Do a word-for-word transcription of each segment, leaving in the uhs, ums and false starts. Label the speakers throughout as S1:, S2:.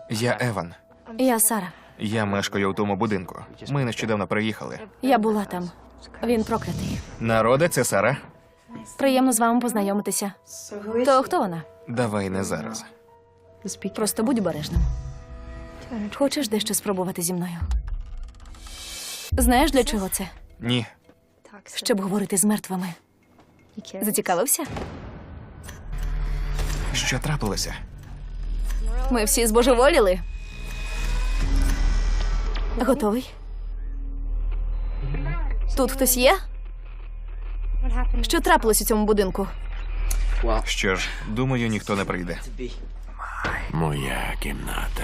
S1: Я Еван.
S2: Я Сара.
S1: Я мешкаю у тому будинку. Ми нещодавно приїхали.
S2: Я була там. Він проклятий.
S1: Народе, це Сара.
S2: Приємно з вами познайомитися. То хто вона?
S1: Давай не зараз.
S2: Просто будь обережним. Хочеш дещо спробувати зі мною? Знаєш, для чого це?
S1: Ні.
S2: Щоб говорити з мертвими. Зацікавився?
S1: Що трапилося?
S2: Ми всі збожеволіли. Готовий? Тут хтось є? Що трапилось у цьому будинку?
S1: Що ж, думаю, ніхто не прийде.
S3: Моя кімната.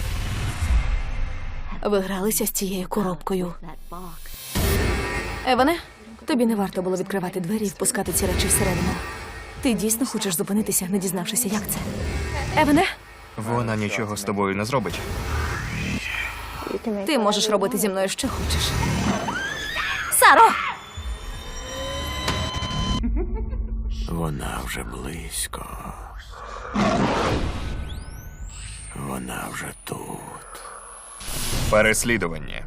S2: Ви гралися з цією коробкою. Еване, тобі не варто було відкривати двері і впускати ці речі всередину. Ти дійсно хочеш зупинитися, не дізнавшися, як це? Еване,
S1: Вона нічого з тобою не зробить.
S2: ти можеш робити зі мною, що хочеш. Саро!
S3: Вона вже близько. Вона вже тут.
S1: Переслідування.